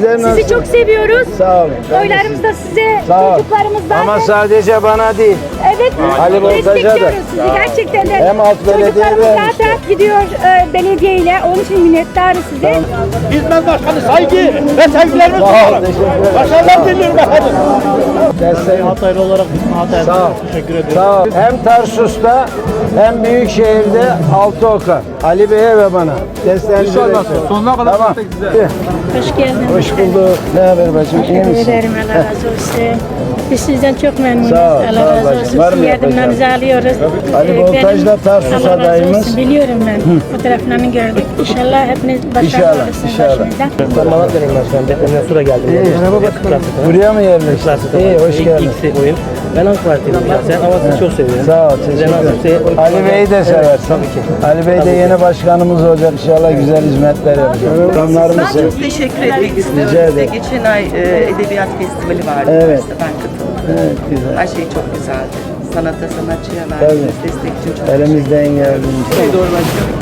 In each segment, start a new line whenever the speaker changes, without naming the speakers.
Sizler nasılsınız?
Sizi çok seviyoruz.
Sağ olun. Ben de
Oylarımız da size,
Sağ ol.
çocuklarımızdan.
Ama sadece bana değil.
Evet,
Ali Boltaj'a da.
destekliyoruz sizi gerçekten de.
Hem alt belediye
Çocuklarımız
vermişler.
zaten gidiyor belediyeyle. Onun için minnettarız size.
Hizmet Başkanı saygı ve sevgilerimi
Sağ ol.
sunarım.
Teşekkür ederim.
Başarılar diliyorum efendim.
Desteğin.
Hataylı olarak Hatay'a
Sağ ol.
teşekkür ederim.
Sağ ol. Hem Tarsus'ta hem Büyükşehir'de Altıoka. Ali Bey'e ve bana. Desteğinizi bekliyorum.
Sonuna kadar
Tamam.
Hoş geldiniz.
Hoş bulduk. Ne haber bacım? İyi misin?
Ederim, Allah razı olsun. Biz sizden çok memnunuz.
Sağ ol,
Allah
sağ ol
razı
bacım.
olsun.
Var mı
Sizin
yapacağım?
yardımlarınızı alıyoruz.
Ali Boltaj'la Tarsus
Allah razı
adayımız.
olsun. Biliyorum ben. Fotoğraflarını gördük. İnşallah hepiniz başarılı
İnşallah,
olursunuz
inşallah.
başımızdan.
Ben Malatya'nıyım başkanım. Depremden sonra geldim.
Merhaba Buraya mı yerleştin? İyi, hoş geldin.
İlk oyun. Ben AK Parti'yim şahsen ama sizi çok seviyorum.
Sağ ol,
Size
teşekkür
nasipse
ederim. Ali Bey'i de seversin.
tabii ki.
Ali Bey de yeni başkanımız olacak. İnşallah güzel hizmetler yapacak. Programlar
Ben
mısın?
çok teşekkür etmek istiyorum.
Rica
Size
ederim.
geçen ay edebiyat festivali vardı.
Evet.
İşte ben katıldım.
Evet, güzel.
Her şey çok güzeldi. Sanata, sanatçıya
Tabii.
verdiğiniz destek için çok
Elimizden geldiğince.
teşekkür ederim.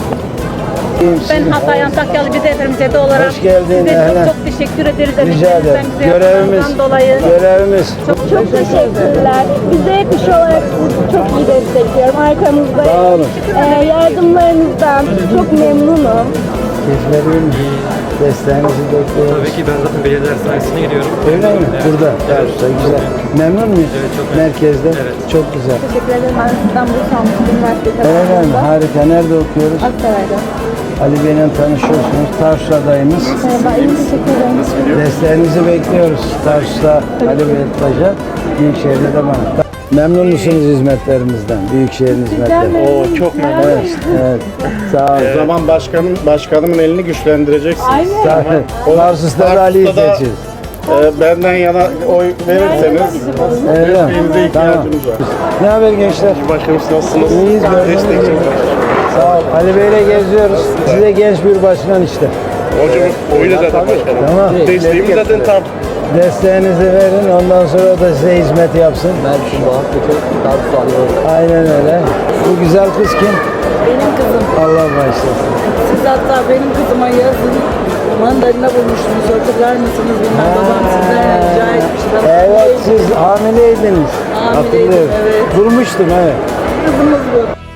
Ben Hatay Antakyalı bir depremzede olarak
Hoş geldin,
size
ehlen.
çok teşekkür ederiz.
Rica ederim.
Emeklerinizden, güzel
Görevimiz.
yaptığınızdan dolayı.
Görevimiz.
Çok teşekkürler. Biz de kış olarak sizi çok iyi destekliyorum. Arkamızdayım.
Sağ olun.
Yardımlarınızdan çok memnunum.
Hizmetimiz desteğinizi bekliyoruz.
Tabii ki ben zaten belediyeler sayesinde gidiyorum.
Öyle mi? Burada. Tarsus'ta güzel. Memnun muyuz?
Evet, çok memnun.
Merkezde.
Evet.
Çok güzel.
Teşekkür ederim. Ben İstanbul Samsun Üniversitesi
Öyle mi? Harika. Nerede okuyoruz?
Aksaray'da.
Ali Bey'le tanışıyorsunuz. Tarsus adayımız.
Merhaba, iyi teşekkür ederim.
Desteğinizi bekliyoruz. Tarsus'ta Ali Boltaj'a, Büyükşehir'de de bana. Memnun musunuz hizmetlerimizden? Büyükşehir'in hizmetleri.
Oo, çok memnun.
Evet, evet. Sağ olun.
O zaman başkanımın elini güçlendireceksiniz.
Sağ olun. Tarsus'ta da Ali'yi
Tarsus'ta da-
seçiyoruz.
Benden yana oy verirseniz
Öyle mi?
desteğinize
Tamam.
ihtiyacımız var.
Ne haber gençler?
Başkanım siz nasılsınız?
İyiyiz.
Destekçi.
Sağ ol. Ali Bey'le geziyoruz. Size genç bir başkan işte.
Hocam oyla zaten başkanım.
Tamam.
Desteğimiz zaten tam.
Desteğinizi verin. Ondan sonra da size hizmet yapsın.
Mersin, Bağatlık'ı Tarsus alıyoruz.
Aynen öyle. Bu güzel kız kim?
Benim kızım.
Allah başlasın.
Siz hatta benim kızıma yazın mandalina bulmuştunuz. Hatırlar mısınız bilmem. Babam sizden rica etmişti.
Evet, siz hamileydiniz.
Hamileydim,
Hatırlıyorum.
evet.
Durmuştum evet.
Kızımız bu.